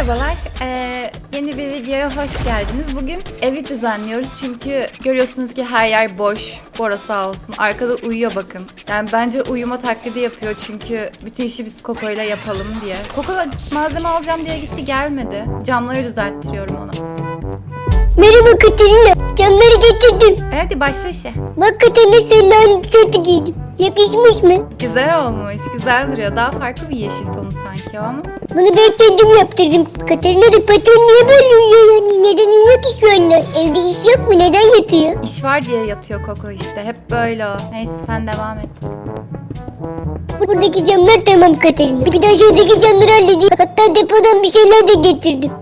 Merhabalar, yeni bir videoya hoş geldiniz. Bugün evi düzenliyoruz çünkü görüyorsunuz ki her yer boş. Bora sağ olsun, arkada uyuyor bakın. Yani bence uyuma taklidi yapıyor çünkü bütün işi biz Koko ile yapalım diye. Koko da malzeme alacağım diye gitti, gelmedi. Camları düzelttiriyorum ona. Merhaba Katerina, camları getirdim. Hadi başla işe. Bak Katerina, senin aynı tişörtü giydim. Yakışmış mı? Güzel olmuş, güzel duruyor. Daha farklı bir yeşil tonu sanki o ama. Bunu ben kendim yaptırdım. Katerina da patron niye böyle uyuyor yani? Neden uyuyor ki şu anda? Evde iş yok mu? Neden yatıyor? İş var diye yatıyor Koko işte. Hep böyle o. Neyse sen devam et. Buradaki camlar tamam Katerina. Bir de aşağıdaki camları halledeyim. Hatta depodan bir şeyler de getirdim.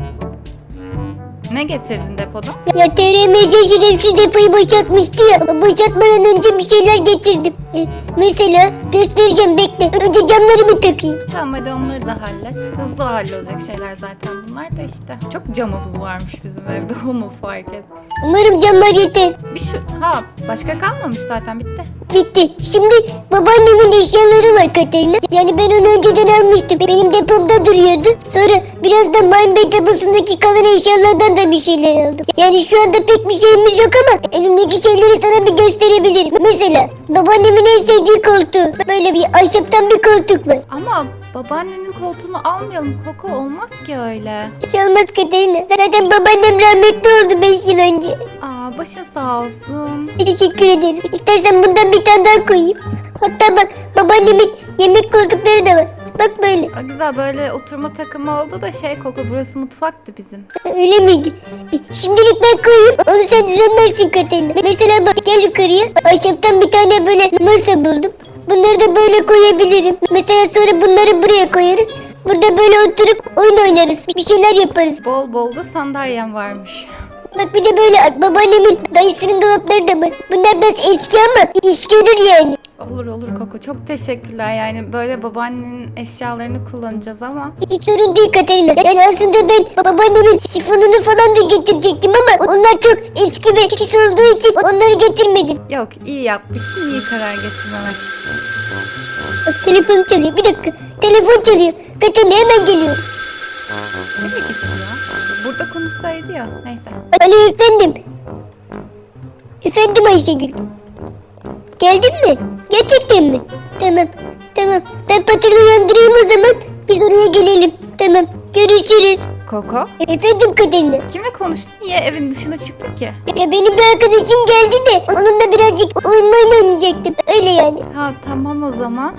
Ne getirdin depodan? Ya TRMC şerefsiz depoyu boşaltmıştı ya. Boşaltmadan önce bir şeyler getirdim. Mesela göstereceğim, bekle. Önce camları bir takayım. Tamam hadi onları da hallet. Hızlı hallolacak şeyler zaten bunlar da işte. Çok camımız varmış bizim evde, onu fark et. Umarım camlar yeter. Başka kalmamış zaten, bitti. Bitti. Şimdi babaannemin eşyaları var Katerina. Yani ben onu önceden almıştım. Benim depomda duruyordu. Sonra biraz da Minebay deposundaki kalan eşyalardan da bir şeyler aldım. Yani şu anda pek bir şeyimiz yok ama elimdeki şeyleri sana bir gösterebilirim. Mesela babaannemin en sevdiği koltuğu. Böyle bir ahşaptan bir koltuk var. Ama babaannenin koltuğunu almayalım Koko, olmaz ki öyle. Hiç olmaz Katerina. Zaten babaannem rahmetli oldu 5 yıl önce. Başın sağ olsun. Teşekkür ederim. İstersen bundan bir tane daha koyayım. Hatta bak, babaannemin yemek koltukları da var. Bak böyle. Güzel, böyle oturma takımı oldu da Koko, burası mutfaktı bizim. Öyle miydi? Şimdilik ben koyayım. Onu sen düzenlersin Katerina. Mesela bak, gel yukarıya. Ahşaptan bir tane böyle masa buldum. Bunları da böyle koyabilirim. Mesela sonra bunları buraya koyarız. Burada böyle oturup oyun oynarız. Bir şeyler yaparız. Bol bol da sandalyem varmış. Bak bir de böyle babaannemin dayısının dolapları da var. Bunlar biraz eski ama iş görür yani. Olur Koko, çok teşekkürler. Yani böyle babaannenin eşyalarını kullanacağız ama. Hiç sorun değil Katerina. Yani aslında ben babaannemin sifonunu falan da getirecektim ama onlar çok eski ve pis olduğu için onları getirmedim. Yok, iyi yapmışsın, iyi karar getirmemek. Bak, telefon çalıyor. Bir dakika. Telefon çalıyor. Katerina hemen geliyor. Nereye gitti ya? Burada konuşsaydı ya. Neyse. Alo efendim. Efendim Ayşegül. Geldin mi? Gerçekten mi? Tamam. Ben patronu uyandırayım o zaman. Biz oraya gelelim. Tamam. Görüşürüz. Koko, Efendim Katerina. kimle konuştun? Niye evin dışına çıktın ki? Ya benim bir arkadaşım geldi de onunla birazcık oyun oynayacaktım. Öyle yani. Tamam o zaman.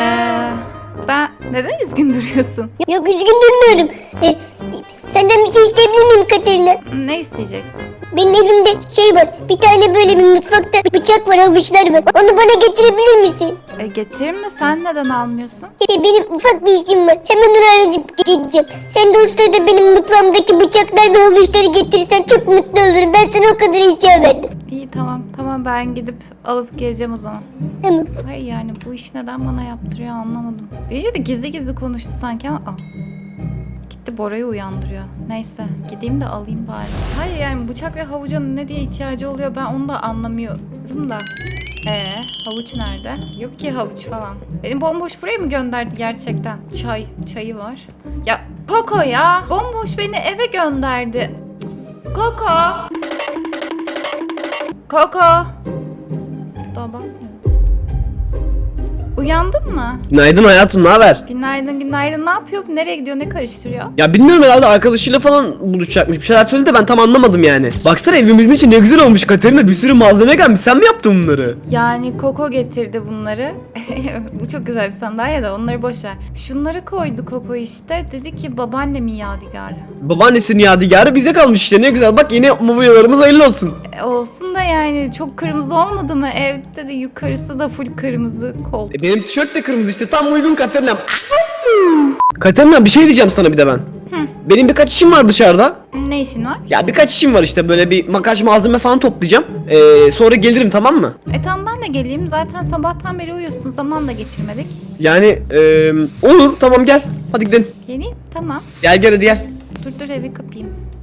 Ben neden üzgün duruyorsun? Yok, üzgün durmuyorum. Senden bir şey isteyebilir miyim Katerina? Ne isteyeceksin? Benim evimde şey var. Bir tane böyle bir mutfakta bıçak var, havuçlar var. Onu bana getirebilir misin? Getirin mi? Sen neden almıyorsun? Benim ufak bir işim var. Hemen onu alıp gideceğim. Sen de o sırada benim mutfağımdaki bıçaklar ve havuçları getirirsen çok mutlu olurum. Ben sana o kadar rica verdim. İyi, tamam ben gidip alıp geleceğim o zaman. Tamam. Hayır yani bu iş neden bana yaptırıyor anlamadım. Biriyle de gizli konuştu sanki ama gitti Bora'yı uyandırıyor. Neyse gideyim de alayım bari. Hayır yani bıçak ve havuca ne diye ihtiyacı oluyor ben onu da anlamıyorum da. Havuç nerede? Yok ki havuç falan. Beni bomboş buraya mı gönderdi gerçekten? Çayı var. Ya Koko ya. Bomboş beni eve gönderdi. Koko. Daha bakmıyor. Uyandın mı? Günaydın hayatım, ne haber? Günaydın. Ne yapıyor? Nereye gidiyor? Ne karıştırıyor? Ya bilmiyorum, herhalde arkadaşıyla falan buluşacakmış. Bir şeyler söyledi de ben tam anlamadım yani. Baksana evimizin içi ne güzel olmuş Katerina, bir sürü malzeme gelmiş. Sen mi yaptın bunları? Yani Koko getirdi bunları. Bu çok güzel bir sandalye de onları boş ver. Şunları koydu Koko işte. Dedi ki babaannemin yadigarı. Babaannesinin yadigarı bize kalmış işte, ne güzel. Bak yeni mobilyalarımız hayırlı olsun. Olsun da yani çok kırmızı olmadı mı? Evde de yukarısı da full kırmızı koltuk. Benim tişört de kırmızı işte, tam uygun Katerina'm. Katerina, bir şey diyeceğim sana bir de ben. Benim birkaç işim var dışarıda. Ne işin var? Ya birkaç işim var işte, böyle bir makyaj malzeme falan toplayacağım. Sonra gelirim, tamam mı? Tamam ben de geleyim. Zaten sabahtan beri uyuyorsun. Zaman da geçirmedik. Yani olur, tamam gel. Hadi gidelim. Geleyim. Tamam. Gel hadi gel. Dur evi kapayım.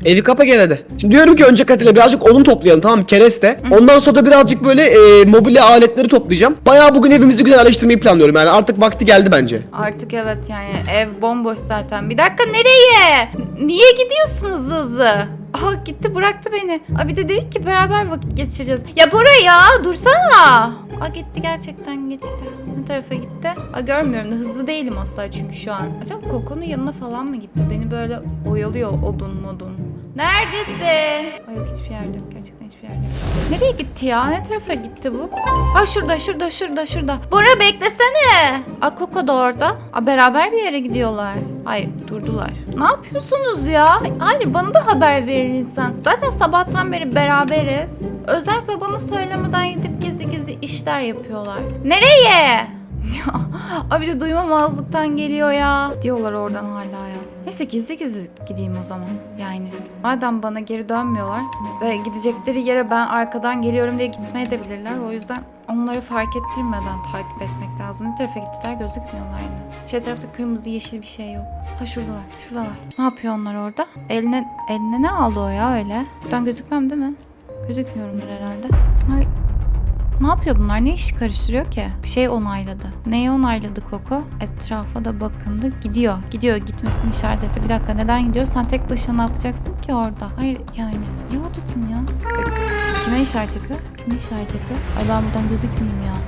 Evi kapa gel hadi. Şimdi diyorum ki önce Katile birazcık odun toplayalım, tamam mı? Kereste. Ondan sonra da birazcık böyle mobilya aletleri toplayacağım. Bayağı bugün evimizi güzelleştirmeyi planlıyorum yani. Artık vakti geldi bence. Artık evet yani ev bomboş zaten. Bir dakika, nereye? Niye gidiyorsun hızlı hızlı? Aa, gitti bıraktı beni. Aa, bir de dedik ki beraber vakit geçireceğiz. Ya Bora ya dursana. Aa, gitti gerçekten gitti. Ne tarafa gitti? Aa, görmüyorum da hızlı değilim asla çünkü şu an. Acaba Koko'nun yanına falan mı gitti? Beni böyle oyalıyor odun modun. Neredesin? Ay yok, hiçbir yerde yok. Gerçekten hiçbir yerde yok. Nereye gitti ya? Ne tarafa gitti bu? Ha, şurada. Bora beklesene. Aa, Koko da orada. Aa, beraber bir yere gidiyorlar. Hayır, durdular. Ne yapıyorsunuz ya? Hayır, bana da haber verir insan. Zaten sabahtan beri beraberiz. Özellikle bana söylemeden gidip gizli gizli işler yapıyorlar. Nereye? Ay, bir de duymamazlıktan geliyor ya. Diyorlar oradan hala ya. Neyse gizli gizli gideyim o zaman. Yani madem bana geri dönmüyorlar ve gidecekleri yere ben arkadan geliyorum diye gitmeye de bilirler. O yüzden onları fark ettirmeden takip etmek lazım. Ne tarafa gittiler gözükmüyorlar yine. Şey tarafta kırmızı yeşil bir şey yok. Ha, şuradalar. Ne yapıyor onlar orada? Eline ne aldı o ya öyle? Buradan gözükmem değil mi? Gözükmüyorumdur herhalde. Ay. Ne yapıyor bunlar? Ne iş karıştırıyor ki? Bir şey onayladı. Neyi onayladı Koko? Etrafa da bakındı. Gidiyor. Gitmesini işaret etti. Bir dakika, neden gidiyor? Sen tek başına ne yapacaksın ki orada? Hayır yani. Niye oradasın ya? Kime işaret yapıyor? Kime işaret yapıyor? Ay, ben buradan gözükmeyeyim ya.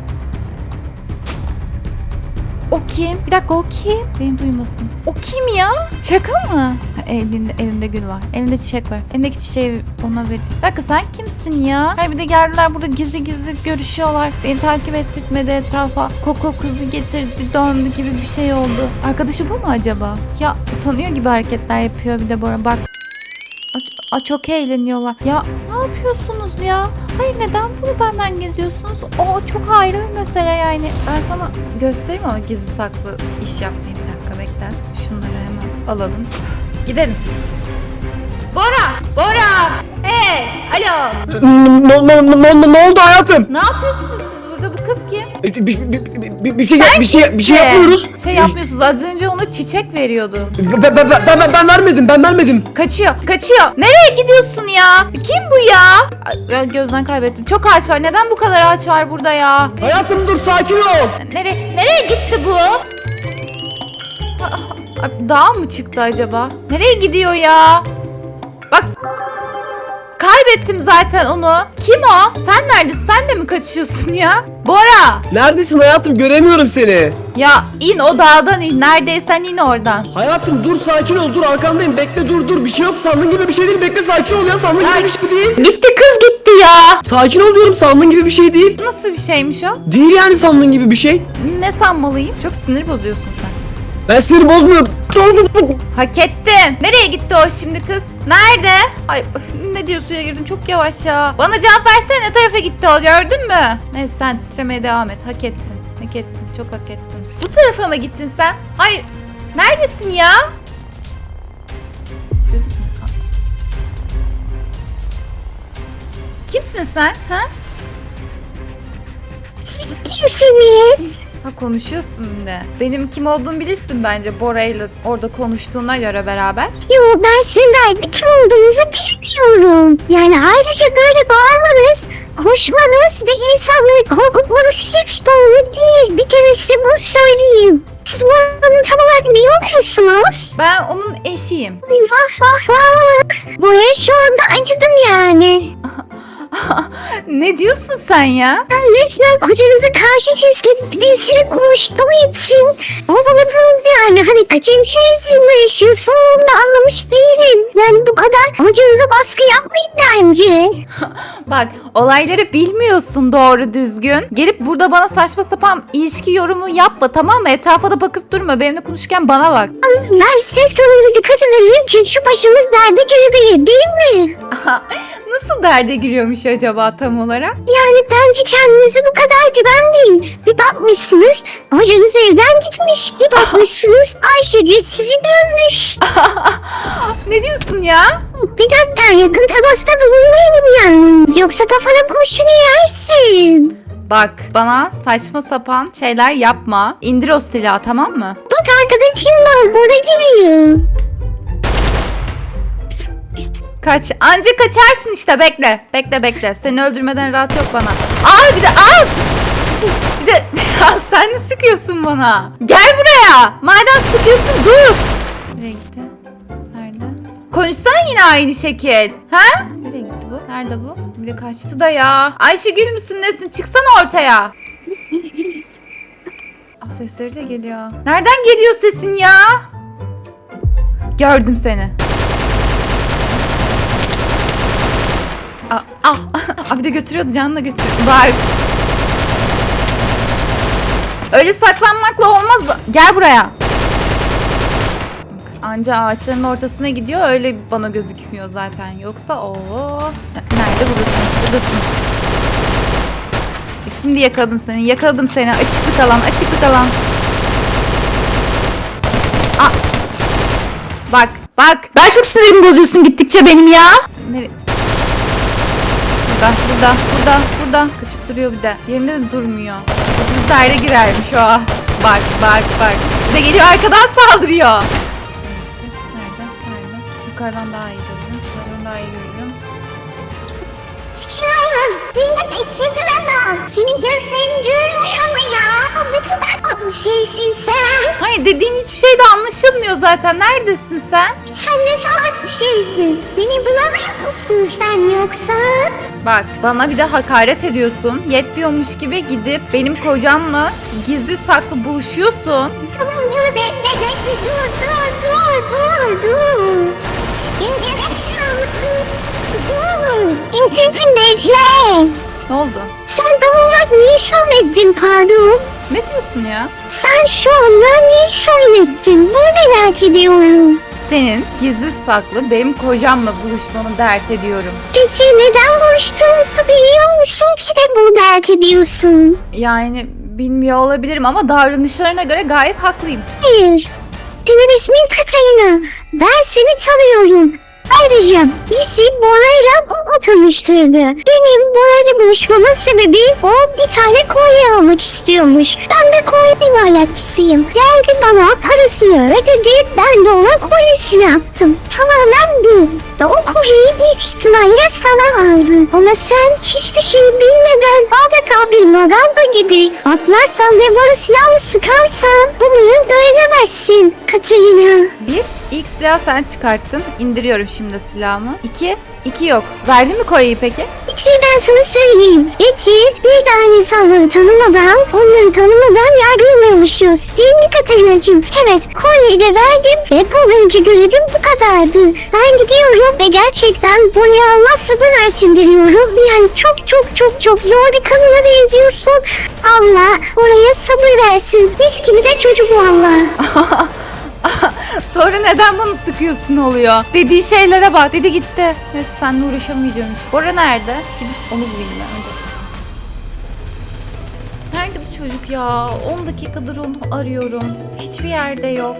O kim? Bir dakika, o kim? Beni duymasın. O kim ya? Şaka mı? Ha, elinde gül var. Elinde çiçek var. Elindeki çiçeği ona vereceğim. Bir dakika, sen kimsin ya? Hayır, bir de geldiler burada gizli gizli görüşüyorlar. Beni takip ettirtmedi etrafa. Koko kızı getirdi, döndü gibi bir şey oldu. Arkadaşı bu mu acaba? Ya utanıyor gibi hareketler yapıyor bir de Bora. Bak. Çok eğleniyorlar. Ya ne yapıyorsunuz ya? Hayır, neden bunu benden geziyorsunuz? O çok ayrı bir mesele yani. Ben sana göstereyim ama gizli saklı iş yapmayı. Bir dakika bekle. Şunları hemen alalım. Gidelim. Bora! Hey! Alo! Ne oldu hayatım? Ne yapıyorsunuz siz burada? Bu kız kim? Bir şey yapmıyoruz. Şey yapmıyorsunuz. Az önce ona çiçek veriyordun. Ben vermedim. Kaçıyor. Nereye gidiyorsun ya? Kim bu ya? Ay, gözden kaybettim. Çok ağaç var. Neden bu kadar ağaç var burada ya? Hayatım dur, sakin ol. Nereye gitti bu? Dağa mı çıktı acaba? Nereye gidiyor ya? Bak. Kaybettim zaten onu. Kim o? Sen neredesin? Sen de mi kaçıyorsun ya? Bora! Neredesin hayatım? Göremiyorum seni. Ya in, o dağdan in. Neredeysen in oradan. Hayatım dur, sakin ol, dur arkandayım, bekle, dur bir şey yok, sandığın gibi bir şey değil, bekle, sakin ol ya, sandığın gibi bir şey değil. Gitti kız gitti ya. Sakin ol diyorum, sandığın gibi bir şey değil. Nasıl bir şeymiş o? Değil yani, sandığın gibi bir şey. Ne sanmalıyım? Çok sinir bozuyorsun sen. Ben sinir bozmuyorum. Hak ettin. Nereye gitti o şimdi kız? Nerede? Ay öf, ne diyor, suya girdin çok yavaş ya. Bana cevap versene, ne tarafa gitti o, gördün mü? Neyse sen titremeye devam et. Hak ettin. Çok hak ettin. Bu tarafa mı gittin sen? Hayır. Neredesin ya? Gözükmüyor. Kimsin sen? Ha? Siz kimsiniz? Ha, konuşuyorsun bir de. Benim kim olduğumu bilirsin bence, Bora'yla orada konuştuğuna göre beraber. Yo, ben sizin de kim olduğunuzu bilmiyorum. Yani ayrıca böyle bağırmanız, koşmanız ve insanları korkutmanız hiç doğru değil. Bir kere size bunu söyleyeyim. Siz buranın tam olarak ne oluyorsunuz? Ben onun eşiyim. Ay, vah. Buraya şu anda acıdım yani. Ne diyorsun sen ya? Ben resmen hocanıza karşı çizgi birisiyle konuştuğum için ovaladınız yani. Hani kaçıncı yüzyılda yaşıyorsun onu da anlamış değilim. Yani bu kadar hocanıza baskı yapmayın bence. Bak, olayları bilmiyorsun doğru düzgün. Gelip burada bana saçma sapan ilişki yorumu yapma, tamam mı? Etrafa da bakıp durma. Benimle konuşurken bana bak. Ben ses tonunuza dikkat edelim çünkü başımız derde girebilir değil mi? Nasıl derde giriyormuş acaba tam olarak? Yani bence kendinize bu kadar güvenmeyin. Bir bakmışsınız hocanız evden gitmiş. Bir bakmışsınız Ayşegül sizi görmüş. Ne diyorsun ya? Bir dakika, yakın temasta bulunmayalım yalnız. Yoksa kafana kurşunu yersin. Bak, bana saçma sapan şeyler yapma. İndir o silahı, tamam mı? Bak arkadaşım var, bora giriyor. Kaç. Anca kaçarsın işte, bekle. Bekle. Seni öldürmeden rahat yok bana. Bir de ya sen ne sıkıyorsun bana? Gel buraya. Madem sıkıyorsun dur. Nereye gitti? Nerede? Konuşsana yine aynı şekil. Ha? Nereye gitti bu? Nerede bu? Bir de kaçtı da ya. Ayşegül müsün nesin? Çıksana ortaya. Sesleri de geliyor. Nereden geliyor sesin ya? Gördüm seni. Bir de götürüyordu, canını da götürüyordu. Bak. Öyle saklanmakla olmaz. Gel buraya. Anca ağaçların ortasına gidiyor, öyle bana gözükmüyor zaten. Yoksa o nerede? Buradasın. Şimdi yakaladım seni. Açıklık alan. Bak. Daha çok sinirimi bozuyorsun gittikçe benim ya. Nereye? Burada. Kaçıp duruyor bir de. Yerinde de durmuyor. Başımız derde girermiş o. Bak. Bir de geliyor arkadan saldırıyor. Nerede? Yukarıdan daha iyi görüyorum. Benim içim senin gözlerin görmüyor mu ya? Ne kadar tatlı şeysin sen. Hayır, dediğin hiçbir şey de anlaşılmıyor zaten. Neredesin sen? Sen ne salak bir şeysin. Beni bulamıyor musun sen yoksa? Bak, bana bir de hakaret ediyorsun. Yetmiyormuş gibi gidip benim kocamla gizli saklı buluşuyorsun. Tamam dur bekle. Dur. Bekle. Ne oldu? Sen tam olarak niye söyledin pardon? Ne diyorsun ya? Sen şu anda niye söyledin? Bunu merak ediyorum. Senin gizli saklı benim kocamla buluşmanı dert ediyorum. Peki neden buluştuğumuzu biliyor musun ki de bunu dert ediyorsun? Yani bilmiyor olabilirim ama davranışlarına göre gayet haklıyım. Hayır. Senin ismin Katarina. Ben seni tanıyorum. Ayrıca bizi Bora'yla o tanıştırdı. Benim Bora'yla buluşmamın sebebi o bir tane kolye almak istiyormuş. Ben de kolye imalatçısıyım. Geldi bana parasını ödedi. Ben de ona kolyesini yaptım. Tamamen bu. Ve o kolyeyi büyük ihtimalle sana aldı. Ama sen hiçbir şey bilmeden adeta bir maganda gibi atlarsan ve bana silahını sıkarsan bunu öğrenemezsin Katarina. Bir, ilk silahı sen çıkarttın. İndiriyorum şimdi silahımı. İki yok. Verdin mi kolyeyi peki? Bir şey ben sana söyleyeyim. Peki bir daha insanları onları tanımadan yargılamıyormuşuz. Değil mi Katarina'cığım? Evet, kolyeyi de verdim ve bugünkü görevim bu kadardı. Ben gidiyorum ve gerçekten buraya Allah sabır versin diliyorum. Yani çok zor bir kadına benziyorsun. Allah oraya sabır versin. Mis gibi de çocuk valla. Sonra neden bana sıkıyorsun oluyor? Dediği şeylere bak. Dedi gitti. Neyse seninle uğraşamayacağım hiç. Bora nerede? Gidip onu bulayım ben önce. Nerede bu çocuk ya? 10 dakikadır onu arıyorum. Hiçbir yerde yok.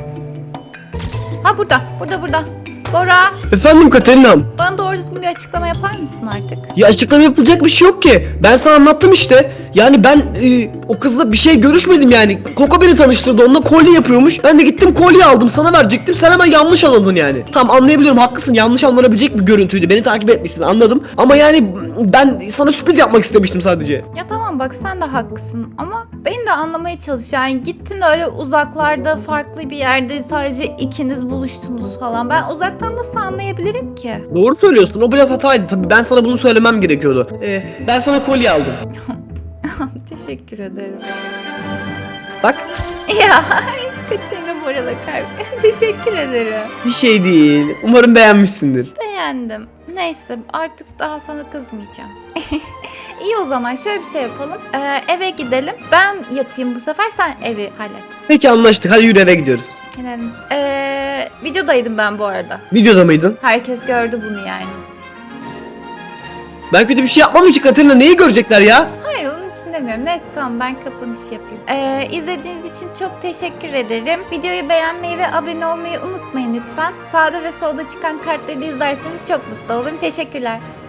Ha burada. Bora, Efendim Katerina'm. bana doğru düzgün bir açıklama yapar mısın artık? Ya açıklama yapılacak bir şey yok ki. Ben sana anlattım işte. Yani ben o kızla bir şey görüşmedim yani. Koko beni tanıştırdı, onunla kolye yapıyormuş. Ben de gittim kolye aldım, sana verecektim. Sen hemen yanlış anladın yani. Tamam, anlayabiliyorum, haklısın, yanlış anlanabilecek bir görüntüydü. Beni takip etmişsin, anladım. Ama yani ben sana sürpriz yapmak istemiştim sadece. Ya tamam bak, sen de haklısın ama beni de anlamaya çalış. Yani gittin öyle uzaklarda, farklı bir yerde sadece ikiniz buluştunuz falan. Ben uzaktan nasıl anlayabilirim ki? Doğru söylüyorsun, o biraz hataydı tabii. Ben sana bunu söylemem gerekiyordu. Ben sana kolye aldım. Teşekkür ederim. Bak. Ya Katerina Bora'la kalp. Teşekkür ederim. Bir şey değil. Umarım beğenmişsindir. Beğendim. Neyse artık daha sana kızmayacağım. İyi, o zaman şöyle bir şey yapalım. Eve gidelim. Ben yatayım bu sefer, sen evi hallet. Peki, anlaştık. Hadi yürü, eve gidiyoruz. Gidelim. Videodaydım ben bu arada. Videoda mıydın? Herkes gördü bunu yani. Ben kötü bir şey yapmadım ki Katerina. Neyi görecekler ya? Hayır, onun için demiyorum. Neyse tamam, ben kapanış yapayım. İzlediğiniz için çok teşekkür ederim. Videoyu beğenmeyi ve abone olmayı unutmayın lütfen. Sağda ve solda çıkan kartları da izlerseniz çok mutlu olurum. Teşekkürler.